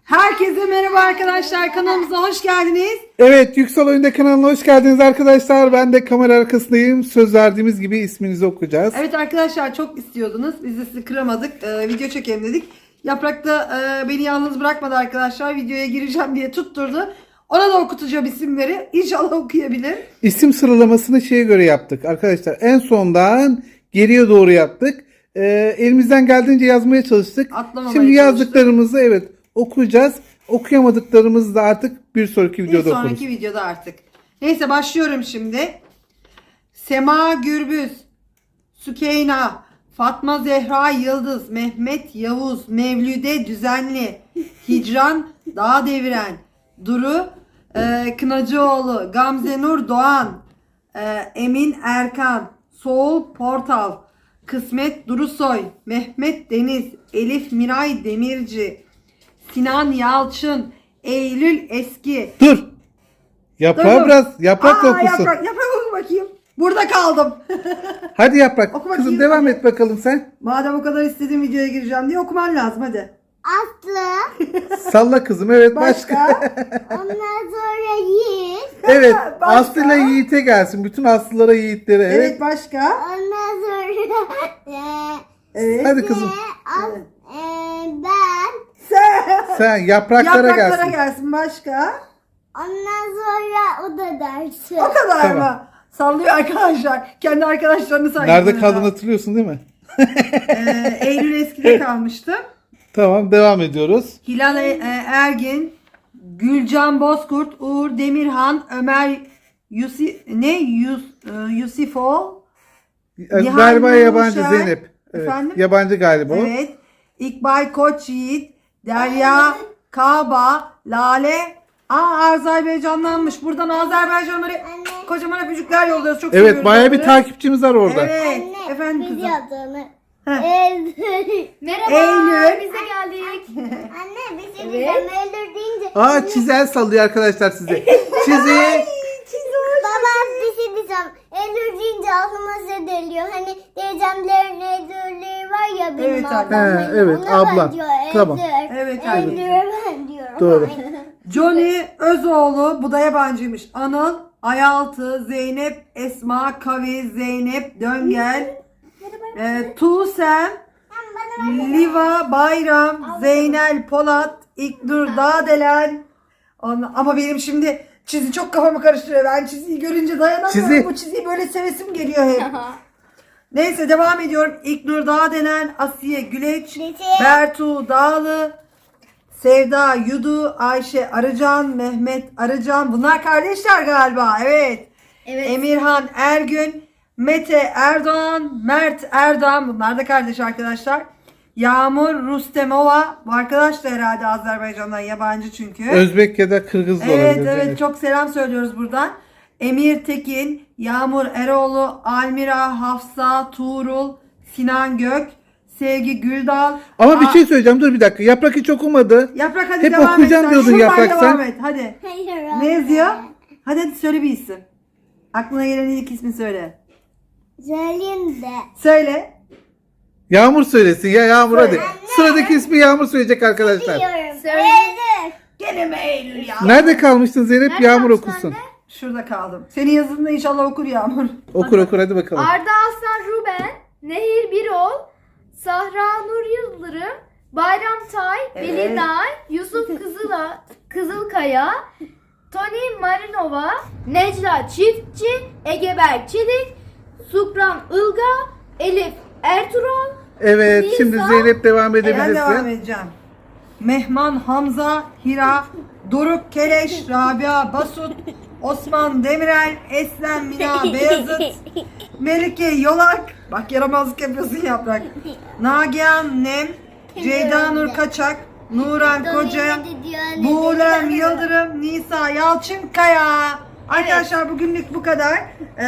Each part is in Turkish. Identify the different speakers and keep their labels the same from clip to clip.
Speaker 1: Herkese merhaba arkadaşlar, kanalımıza hoş geldiniz.
Speaker 2: Evet, Yüksel Oyunda kanalına hoş geldiniz arkadaşlar. Ben de kamera arkasındayım. Söz verdiğimiz gibi isminizi okuyacağız.
Speaker 1: Evet arkadaşlar, çok istiyordunuz. Biz de sizi kıramadık. Video çekelim dedik. Yaprak da beni yalnız bırakmadı arkadaşlar. Videoya gireceğim diye tutturdu. Ona da okutacağım isimleri. İnşallah okuyabilir.
Speaker 2: İsim sıralamasını şeye göre yaptık arkadaşlar. En sondan geriye doğru yaptık. Elimizden geldiğince yazmaya çalıştık.
Speaker 1: Atlamamaya
Speaker 2: Şimdi
Speaker 1: çalıştık.
Speaker 2: yazdıklarımızı evet okuyacağız. Okuyamadıklarımızı da artık bir sonraki
Speaker 1: Bir
Speaker 2: videoda
Speaker 1: sonraki
Speaker 2: okuruz.
Speaker 1: videoda artık. Neyse başlıyorum şimdi. Sema Gürbüz, Sükeyna, Fatma Zehra Yıldız, Mehmet Yavuz, Mevlüde Düzenli, Hicran Dağ Deviren, Duru Kınacıoğlu, Gamze Nur Doğan, Emin Erkan, Soğul Portal, Kısmet Durusoy, Mehmet Deniz, Elif Miray Demirci, Sinan Yalçın, Eylül Eski.
Speaker 2: Dur. Yaprağı
Speaker 1: Dur.
Speaker 2: biraz yaprakla okusun.
Speaker 1: Yaprak oku bakayım. Burada kaldım.
Speaker 2: Hadi yaprak.
Speaker 1: Oku bakayım.
Speaker 2: Kızım devam et bakalım sen.
Speaker 1: Madem o kadar istediğim videoya gireceğim diye okuman lazım hadi.
Speaker 3: Aslı.
Speaker 2: Salla kızım. Evet başka.
Speaker 3: Ondan sonra Yiğit.
Speaker 2: Evet.
Speaker 1: Başka?
Speaker 2: Aslı ile Yiğit'e gelsin. Bütün Aslılara Yiğitlere. Evet.
Speaker 1: Evet başka.
Speaker 3: Ondan sonra
Speaker 1: Evet.
Speaker 2: Hadi kızım.
Speaker 3: ben.
Speaker 2: Sen yapraklara gelsin.
Speaker 1: gelsin başka.
Speaker 3: Ondan sonra o da dersi.
Speaker 1: O kadar
Speaker 2: Tamam.
Speaker 1: mı? Sallıyor arkadaşlar. Kendi arkadaşlarını sayıyor.
Speaker 2: Nerede kaldığını hatırlıyorsun değil mi?
Speaker 1: Eylül Eski'de kalmıştım.
Speaker 2: Tamam devam ediyoruz.
Speaker 1: Hilal Ergin, Gülcan Bozkurt, Uğur Demirhan, Ömer Yusifol, Nihan
Speaker 2: Galiba yabancı
Speaker 1: Nurşen.
Speaker 2: Zeynep. Evet.
Speaker 1: Efendim?
Speaker 2: Yabancı galiba o.
Speaker 1: Evet. İkbal Koç Yiğit, Derya, Kaba, Lale. Azerbaycanlanmış. Buradan Azerbaycanlara kocaman öpücükler yolluyoruz. Çok seviyoruz
Speaker 2: Evet bayağı bir
Speaker 1: onları.
Speaker 2: takipçimiz var orada.
Speaker 1: Evet.
Speaker 3: Anne,
Speaker 1: Efendim
Speaker 3: biz
Speaker 1: kızım.
Speaker 3: yaptığını.
Speaker 1: Heh.
Speaker 3: Merhaba.
Speaker 1: Eylül.
Speaker 3: Biz de geldik. Anne biz de Eylül deyince.
Speaker 2: Aa çizel sallıyor arkadaşlar size. Çizi.
Speaker 3: Baba bir şey diyeceğim. Eylül deyince aklıma şey geliyor. Hani teyzemlerin Eylül'leri var ya benim
Speaker 1: Evet,
Speaker 3: ablam.
Speaker 2: He,
Speaker 3: Hani
Speaker 2: evet,
Speaker 3: ona
Speaker 2: ablam.
Speaker 3: benziyor,
Speaker 2: Tamam.
Speaker 3: Eylül.
Speaker 1: Evet,
Speaker 3: Eylül'e ben diyorum.
Speaker 2: Doğru.
Speaker 1: Johnny Özoğlu, bu da yabancıymış. Anıl, Ayaltı, Zeynep, Esma, Kavi, Zeynep, Döngel, Tuğsem, Liva, Bayram, Zeynel, Polat, İknur, Dağdelen. Ama benim şimdi çizi çok kafamı karıştırıyor. Ben çiziyi görünce dayanamıyorum.
Speaker 2: Çizi.
Speaker 1: Bu çiziyi böyle sevesim geliyor hep. Neyse devam ediyorum. İknur Dağdelen, Asiye Güleç, Bertu Dağlı, Sevda Yudu, Ayşe Arıcan, Mehmet Arıcan. Bunlar kardeşler galiba. Evet.
Speaker 3: Evet.
Speaker 1: Emirhan Ergün, Mete Erdoğan, Mert Erdoğan. Bunlar da kardeş arkadaşlar. Yağmur Rustemova. Bu arkadaş da herhalde Azerbaycan'dan, yabancı çünkü.
Speaker 2: Özbek ya da Kırgız da
Speaker 1: Evet
Speaker 2: olabilir.
Speaker 1: evet, çok selam söylüyoruz buradan. Emir Tekin, Yağmur Eroğlu, Almira, Hafsa, Tuğrul, Sinan Gök, Sevgi Güldal.
Speaker 2: Ama bir şey söyleyeceğim dur bir dakika. Yaprak hiç okumadı.
Speaker 1: Yaprak hadi
Speaker 2: Hep
Speaker 1: devam et.
Speaker 2: okuyacağım
Speaker 1: sen.
Speaker 2: diyordun
Speaker 1: Şuradan
Speaker 2: Yaprak sen.
Speaker 1: devam et hadi.
Speaker 3: Hayır.
Speaker 1: Ne yazıyor? Hadi söyle bir isim. Aklına gelen ilk ismi söyle.
Speaker 3: Söyleyeyim de.
Speaker 1: Söyle.
Speaker 2: Yağmur söylesin ya Yağmur
Speaker 1: Söyle.
Speaker 2: hadi. Sıradaki ismi Yağmur söyleyecek arkadaşlar.
Speaker 3: Biliyorum. Eylül.
Speaker 1: Gene mi Eylül ya?
Speaker 2: Nerede kalmıştın Zeynep? Yağmur okusun.
Speaker 1: Şurada kaldım. Senin yazında inşallah okur Yağmur.
Speaker 2: Okur hadi bakalım.
Speaker 4: Arda Aslan Ruben, Nehir Birol, Sahra Nur Yıldırım, Bayram Tay,
Speaker 1: Evet.
Speaker 4: Veli Nay, Yusuf Kızılkaya, Tony Marinova, Necla Çiftçi, Egeber Çelik, Sukran Ilga, Elif Ertuğrul,
Speaker 2: Evet
Speaker 4: Nisa.
Speaker 2: şimdi Zeynep devam
Speaker 1: Ben devam
Speaker 2: edebilirsin.
Speaker 1: edeceğim. Mehman Hamza, Hira, Doruk Keleş, Rabia Basut, Osman Demirel, Eslem Mina Beyazıt, Melike Yolak. Bak yaramazlık yapıyorsun Yaprak. Nagihan Nem, Ceyda Nur Kaçak, Nuran Koca, Buğlem Yıldırım, Nisa Yalçınkaya. Arkadaşlar bugünlük bu kadar.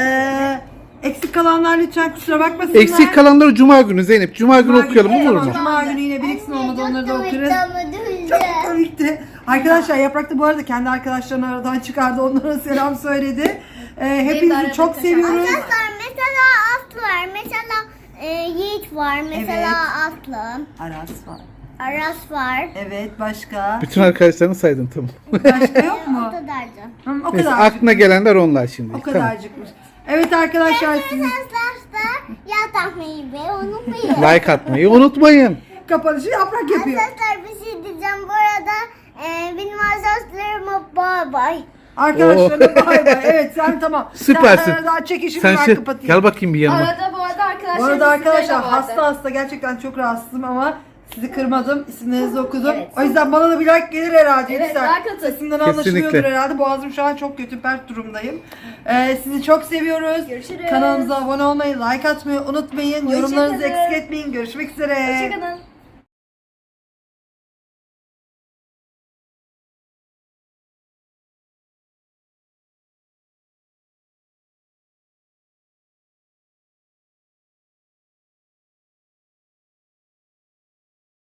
Speaker 1: Eksik kalanlar lütfen kusura bakmasınlar.
Speaker 2: Eksik kalanları Cuma günü Zeynep. Cuma günü okuyalım olur mu?
Speaker 1: Cuma günü yine biriksin, olmadı onları da okuruz.
Speaker 3: Çok
Speaker 1: Çok komikti. Arkadaşlar Yaprak da bu arada kendi arkadaşlarını aradan çıkardı. Onlara selam söyledi. Hepinizi çok seviyoruz.
Speaker 3: Arkadaşlar mesela Aslı var. Mesela Yiğit var. Mesela
Speaker 1: Evet.
Speaker 3: Aslı.
Speaker 1: Aras var.
Speaker 3: Aras var.
Speaker 1: Evet, başka?
Speaker 2: Bütün arkadaşlarını saydın tamam.
Speaker 1: Başka yok
Speaker 3: O
Speaker 1: mu?
Speaker 3: kadardı.
Speaker 1: O
Speaker 2: Neyse,
Speaker 1: kadarcık.
Speaker 2: aklına gelenler onlar şimdi.
Speaker 1: O
Speaker 2: Tamam.
Speaker 1: kadarcıkmış. Evet arkadaşlar, sizin
Speaker 3: Arkadaşlar ya tahmayı be unutmayın.
Speaker 2: Like atmayı unutmayın.
Speaker 1: kapanışı yaprak yapıyor.
Speaker 3: Arkadaşlar bir şey diyeceğim bu arada. Benim arkadaşlarıma bay bay.
Speaker 1: Arkadaşlarına bay bay. Evet, sen tamam.
Speaker 2: Süpersin.
Speaker 1: Sen daha çekişimi
Speaker 2: Sen
Speaker 1: ben
Speaker 2: şey,
Speaker 1: kapatayım.
Speaker 2: gel bakayım bir yanıma.
Speaker 4: Arada bu arada arkadaşlar.
Speaker 1: Bu arada arkadaşlar
Speaker 4: hasta.
Speaker 1: hasta gerçekten çok rahatsızım ama sizi kırmadım. İsimlerinizi okudum.
Speaker 4: Evet.
Speaker 1: O yüzden bana da bir like gelir herhalde.
Speaker 4: Evet,
Speaker 1: Lütfen.
Speaker 4: like atın.
Speaker 1: Sesimden
Speaker 2: Kesinlikle.
Speaker 1: anlaşılıyordur herhalde. Boğazım şu an çok kötü, pert durumdayım. Sizi çok seviyoruz.
Speaker 4: Görüşürüz.
Speaker 1: Kanalımıza abone olmayı, like atmayı unutmayın. Yorumlarınızı
Speaker 4: kalın.
Speaker 1: eksik etmeyin. Görüşmek üzere.
Speaker 4: Hoşçakalın.